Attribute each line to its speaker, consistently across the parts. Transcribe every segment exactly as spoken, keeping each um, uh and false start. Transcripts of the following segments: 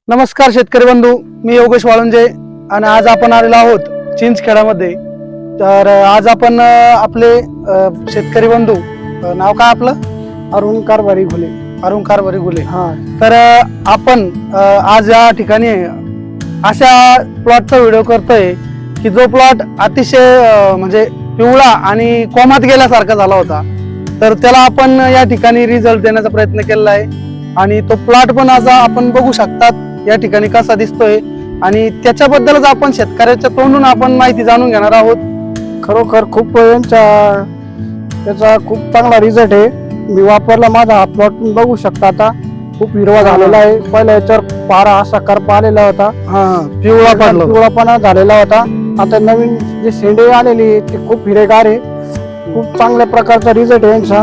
Speaker 1: नमस्कार शेतकरी बंधू, मी योगेश वाळुंजे आणि आज आपण आलेलो आहोत चिंचखेडामध्ये. तर आज आपण आपले शेतकरी बंधू, नाव काय आपलं?
Speaker 2: अरुण कारभारी घुले.
Speaker 1: अरुण कारभारी घुले.
Speaker 2: हा,
Speaker 1: तर आपण आज या ठिकाणी अशा प्लॉटचा व्हिडिओ करतोय की जो प्लॉट अतिशय म्हणजे पिवळा आणि कोमात गेल्यासारखा झाला होता. तर त्याला आपण या ठिकाणी रिझल्ट देण्याचा प्रयत्न केलेला आहे आणि तो प्लॉट पण आज आपण बघू शकतात या ठिकाणी कसा दिसतोय आणि त्याच्याबद्दलच आपण शेतकऱ्याच्या तोंडून आपण माहिती जाणून घेणार आहोत.
Speaker 2: खरोखर खूप यांचा त्याचा खूप चांगला रिझल्ट आहे. मी वापरला, माझा हा प्लॉट बघू शकता. आता खूप हिरवा झालेला आहे. पहिल्या याच्यावर पारा असा करपा आलेला होता,
Speaker 1: हा पिवळा पडला,
Speaker 2: पिवळापणा झालेला होता. आता नवीन जे शेंडे आलेली ते खूप हिरेगार आहे. खूप चांगल्या प्रकारचा रिझल्ट आहे यांचा.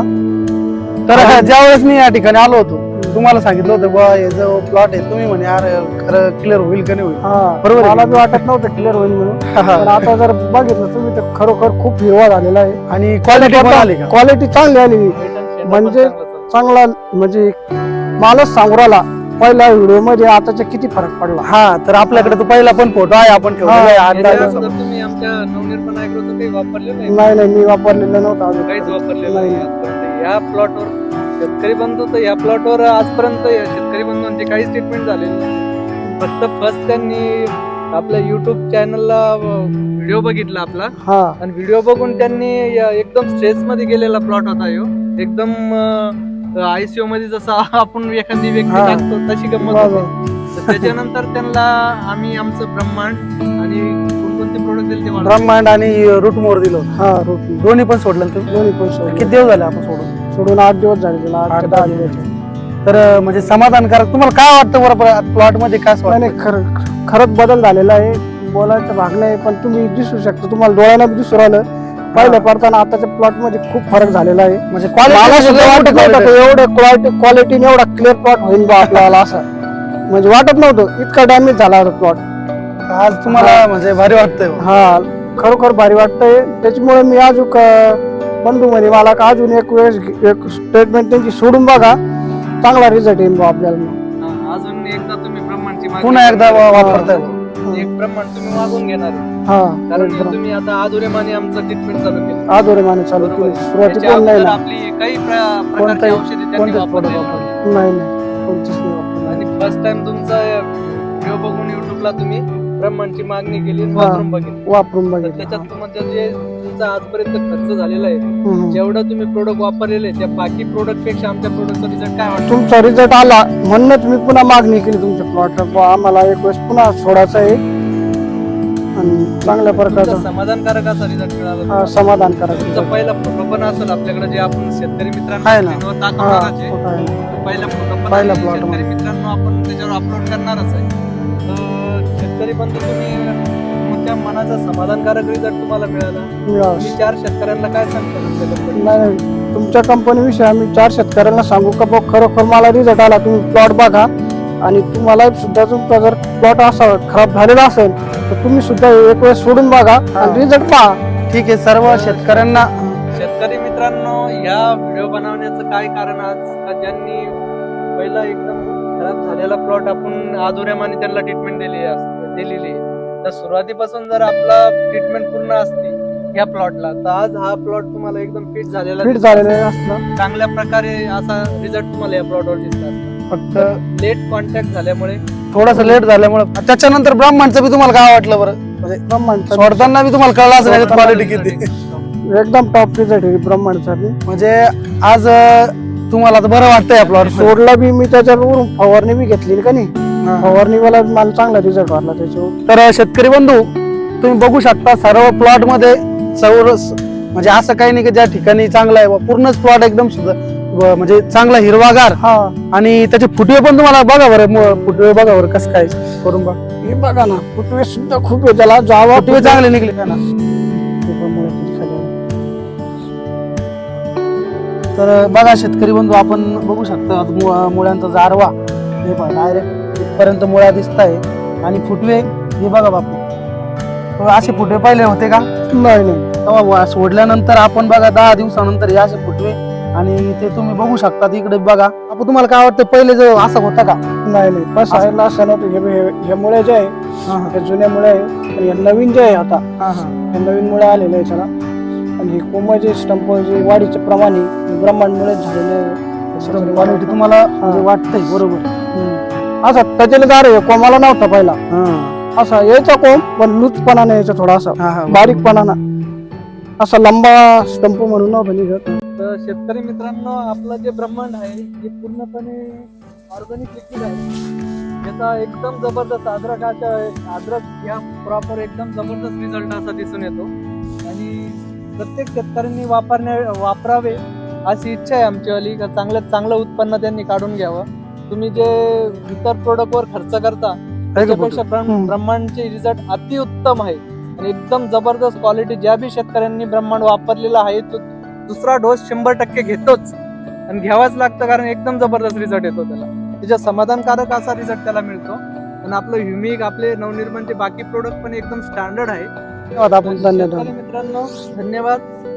Speaker 1: तर ज्यावेळेस मी या ठिकाणी आलो होतो तुम्हाला सांगितलं होतं बा हे जो प्लॉट आहे तुम्ही म्हणे यार खरं क्लिअर होईल का नाही होईल.
Speaker 2: बरोबर, मला बी वाटत नव्हतं क्लिअर होईल म्हणून. पण आता जर बघितलं तुम्ही तर खरोखर खूप हिरवा झालेला आहे
Speaker 1: आणि क्वालिटी पण आली का?
Speaker 2: क्वालिटी चांगली आलेली म्हणजे चांगला, म्हणजे मालच सांगू राहिला पहिल्या व्हिडिओ मध्ये आताच्या किती फरक पडला.
Speaker 1: हा, तर आपल्याकडे तो पहिला पण फोटो आहे आपण ठेवलेला आहे.
Speaker 3: तुम्ही आमच्या नवनिर्माण ऍग्रोचं काही वापरलेलं आहे?
Speaker 2: नाही नाही, मी वापरलेलं नव्हतं अजून.
Speaker 3: काहीच वापरलेलं नाही आजपर्यंत. या प्लॉटवर शेतकरी बंधू तर या प्लॉटवर आजपर्यंत शेतकरी बंधूंची काहीच ट्रीटमेंट झालेली नाही. फक्त फर्स्ट त्यांनी आपल्या युट्यूब चॅनलला व्हिडिओ बघितला आपला
Speaker 2: हा,
Speaker 3: आणि व्हिडिओ बघून त्यांनी एकदम स्ट्रेस मध्ये गेलेला प्लॉट होता ह्यो. एकदम आयसीयू मध्ये जसा आपण एखादी व्यक्ती
Speaker 2: हा.
Speaker 3: टाकतो तशी गंमत होती. तर त्याच्यानंतर त्यांना आम्ही आमचं ब्रह्मांड आणि कोणकोणते प्रोडक्ट दिले ते मला
Speaker 1: ब्रह्मांड आणि रूट मोर दिलं होतं.
Speaker 2: हा, रोटी
Speaker 1: दोन्ही पण सोडलं ना तुम्ही?
Speaker 2: दोन्ही पण सोडले.
Speaker 1: किती दिवस झाले आपण सोडून?
Speaker 2: सोडून आठ दिवस झाले त्याला, आठ
Speaker 1: आठ
Speaker 2: ते
Speaker 1: दहा
Speaker 2: दहा
Speaker 1: दिवस.
Speaker 2: दिवस.
Speaker 1: तर म्हणजे समाधानकारक तुम्हाला काय वाटतं बरं प्लॉट मध्ये काय
Speaker 2: नाही नाही, खरं खरंच बदल झालेला आहे. बोलायचं भाग नाही, पण तुम्ही दिसू शकता, तुम्हाला डोळ्याला बी दिसू राहिलं. पहिल्या पडताना आताच्या प्लॉट मध्ये खूप फरक झालेला आहे.
Speaker 1: म्हणजे
Speaker 2: मला सुद्धा वाटत नव्हतं
Speaker 1: क्वालिटी
Speaker 2: एवढं क्वालिटी क्वालिटीने एवढा क्लिअर प्लॉट होईल बा आपल्याला, असं म्हणजे वाटत नव्हतं. इतका डॅमेज झाला होता प्लॉट.
Speaker 1: आज तुम्हाला म्हणजे भारी वाटतंय.
Speaker 2: हा, खरोखर भारी वाटतंय. त्याच्यामुळे मी अजून बंधू म्हणे मला का अजून एक वेळेस एक स्टेटमेंट त्यांची सोडून बघा, चांगला रिझल्ट येईल बा आपल्याला.
Speaker 3: हा, अजून एकदा तुम्ही ब्रह्मांडची मागणी
Speaker 1: पुन्हा एकदा वा- वापरताय.
Speaker 3: एक ब्रह्मांड तुम्ही मागून घेणार आहे.
Speaker 2: हा,
Speaker 3: कारण हे तुम्ही आता आधुरेमाने आमचं ट्रीटमेंट चालू केलं.
Speaker 2: आजोरे माने चालू
Speaker 3: बरोबर.
Speaker 2: केली. सुरुवाती
Speaker 3: त्याच्या
Speaker 2: पण नाही
Speaker 3: अगोदर
Speaker 2: ना,
Speaker 3: आपली काही प्र- प्रकारची
Speaker 1: कोणताही-
Speaker 3: औषधी त्यांनी
Speaker 1: कोणतेच
Speaker 3: वापरलेली
Speaker 1: product
Speaker 3: नव्हती.
Speaker 2: नाही नाही, कोणतीच नाही वापरली.
Speaker 3: आणि फर्स्ट टाइम तुमचा व्हिडिओ बघून युट्यूबला तुम्ही ब्रह्मांडची मागणी केली आणि
Speaker 2: हा.
Speaker 3: वापरून बघितली.
Speaker 2: वापरून
Speaker 3: तर
Speaker 2: बघितलं.
Speaker 3: त्याच्यात तुमचं जे तुमचा आजपर्यंत खर्च झालेला आहे,
Speaker 2: हम्म.
Speaker 3: जेवढं तुम्ही प्रोडक्ट वापरलेले आहे, त्या बाकी प्रोडक्ट पेक्षा आमच्या प्रोडक्टचा रिझल्ट काय वाटतो?
Speaker 2: तुमचा रिझल्ट आला म्हणूनच मी पुन्हा मागणी केली तुमच्या प्लॉट. आम्हाला एक वेळेस पुन्हा सोडायचं आहे आणि चांगल्या प्रकारचा
Speaker 3: तुमचा समाधानकारक असा रिझल्ट मिळाला.
Speaker 2: हा,
Speaker 3: तुम्हाला.
Speaker 2: समाधान करा.
Speaker 3: तुमचा पहिला फोटो पण असेल आपल्याकडे, जे आपण शेतकरी
Speaker 1: आहे
Speaker 3: मित्रांना
Speaker 1: ना.
Speaker 3: screen वर
Speaker 2: हा,
Speaker 3: दाखवणारच आहे.
Speaker 2: फोटो आहे.
Speaker 3: पहिला फोटो पण
Speaker 1: पहिला
Speaker 3: आहे.
Speaker 1: plot
Speaker 3: शेतकरी मित्रांनो आपण त्याच्यावर अपलोड करणारच आहे. तर शेतकरी बंधू तुम्ही तुमच्या मनाचा समाधानकारक रिझल्ट तुम्हाला मिळाला.
Speaker 2: मिळावं.
Speaker 3: तुम्ही चार शेतकऱ्यांना काय सांगता तुमच्याबद्दल?
Speaker 2: नाही नाही, तुमच्या कंपनीविषयी आम्ही चार शेतकऱ्यांना सांगू का बघ, खरोखर मला रिझल्ट आला. तुम्ही प्लॉट बघा आणि तुम्हाला सुद्धा तुमचा जर प्लॉट असा खराब झालेला असेल तर तुम्ही सुद्धा एक वेळ सोडून बघा आणि रिझल्ट पहा.
Speaker 1: ठीक आहे. सर्व शेतकऱ्यांना
Speaker 3: शेतकरी मित्रांनो, या व्हिडिओ बनवण्याचं काय कारण आज का ज्यांनी पहिला एकदम खराब झालेला प्लॉट आपण आधुरेमाने त्यांना ट्रीटमेंट दिली असते दिलेली आहे. तर सुरुवातीपासून जर आपला ट्रीटमेंट पूर्ण असती या प्लॉटला, तर आज हा प्लॉट तुम्हाला एकदम फिट झालेला
Speaker 2: फिट
Speaker 3: दिसला
Speaker 2: झालेलं
Speaker 3: असता.
Speaker 2: असतं.
Speaker 3: चांगल्या प्रकारे असा रिझल्ट तुम्हाला या प्लॉटवर दिसला असता.
Speaker 1: फक्त
Speaker 3: लेट कॉन्टॅक्ट झाल्यामुळे
Speaker 1: थोडस लेट झाल्यामुळे. त्याच्यानंतर ब्रह्मांडचं बी तुम्हाला काय वाटलं बरं? म्हणजे
Speaker 2: ब्रह्मांडचा
Speaker 1: सोडताना बी तुम्हाला कळलं असं नाही क्वालिटी किती.
Speaker 2: एकदम टॉप रिझल्ट आहे ब्रह्मांडचा बी.
Speaker 1: म्हणजे आज अं, तुम्हाला तर बरं वाटतंय या प्लॉट
Speaker 2: सोडला बी मी त्याच्यावरून फवारणी बी घेतली का नाही, फवारणी वाला मला चांगला रिझल्ट वाटला त्याच्यावर.
Speaker 1: तर शेतकरी बंधू तुम्ही बघू शकता सर्व प्लॉट मध्ये चौरस म्हणजे असं काही नाही की ज्या ठिकाणी चांगला आहे बा, पूर्णच प्लॉट एकदम सुद्धा व म्हणजे चांगला हिरवागार.
Speaker 2: हा,
Speaker 1: आणि त्याचे फुटवे पण तुम्हाला बघा बरं, म- फुटवे बघा बरं कसं काय करून बघा.
Speaker 2: हे बघा ना, फुटवे सुद्धा खूप आहे त्याला. जावा
Speaker 1: फुटवे चांगले निघले का ना. तर बघा शेतकरी बंधू आपण बघू शकता मु- मुळ्यांचा जारवा हे बघा डायरेक्ट इथपर्यंत मुळ्या दिसत आहे आणि फुटवे हे बघा बापू. तर असे फुटवे पाहिले होते का?
Speaker 2: नाही नाही,
Speaker 1: तेव्हा वा- सोडल्यानंतर आपण बघा दहा दिवसानंतर हे असे फुटवे आणि ते तुम्ही बघू शकता इकडे बघा आपण तुम्हाला काय वाटतं पहिले जो असा होता का?
Speaker 2: नाही नाही बस आहे असं नव्हतं. हे हे- हे मुळे जे आहे
Speaker 1: हा हा
Speaker 2: हे जुन्या मुळे आहे आणि हे नवीन जे आहे आता
Speaker 1: हा हा
Speaker 2: हे नवीन मुळे आलेलं आहे त्याला. आणि हे कोंब जे स्टंप जे वाढीचे प्रमाण आहे ब्रह्मांडमुळे झालेले आहे. असं जरी
Speaker 1: क्वालिटी
Speaker 2: वाटतं.
Speaker 1: तुम्हाला म्हणजे वाटतंय बरोबर.
Speaker 2: हम्म. असा टचेलदार आहे कोमाला नव्हता पहिला.
Speaker 1: हा
Speaker 2: असा यायचा कोंब पण लूजपणाने यायचा थोडासा
Speaker 1: हा हा
Speaker 2: बारीकपणाना असा लंबा स्टंप म्हणून नव्हता निघत.
Speaker 3: तर शेतकरी मित्रांनो, आपलं जे ब्रह्मांड आहे हे पूर्णपणे ऑर्गॅनिक लिक्विड आहे. याचा एकदम जबरदस्त अद्रकाच्या अद्रक या प्रॉपर एकदम जबरदस्त रिझल्ट असा दिसून येतो आणि प्रत्येक शेतकऱ्यांनी वापरण्या वापरावे अशी इच्छा आहे आमचीवाली. का चांगल्यात चांगलं उत्पन्न त्यांनी काढून घ्यावं. तुम्ही जे इतर प्रोडक्टवर खर्च करता त्याच्यापेक्षा ब्रह्म-
Speaker 2: हम्म.
Speaker 3: ब्रह्मांडचे रिझल्ट अतिउत्तम आहे आणि एकदम जबरदस्त क्वालिटी. ज्या बी शेतकऱ्यांनी ब्रह्मांड वापरलेला आहे तो दुसरा डोस शंभर टक्के घेतोच आणि घ्यावाच लागतं, कारण एकदम जबरदस्त रिझल्ट येतो त्याला. त्याच्या समाधानकारक असा रिझल्ट त्याला मिळतो. आणि आपलं ह्युमिक आपले नवनिर्माणचे बाकी प्रोडक्ट पण एकदम स्टँडर्ड आहे.
Speaker 2: धन्यवाद आपण धन्यवाद.
Speaker 3: शेतकरी मित्रांनो, धन्यवाद.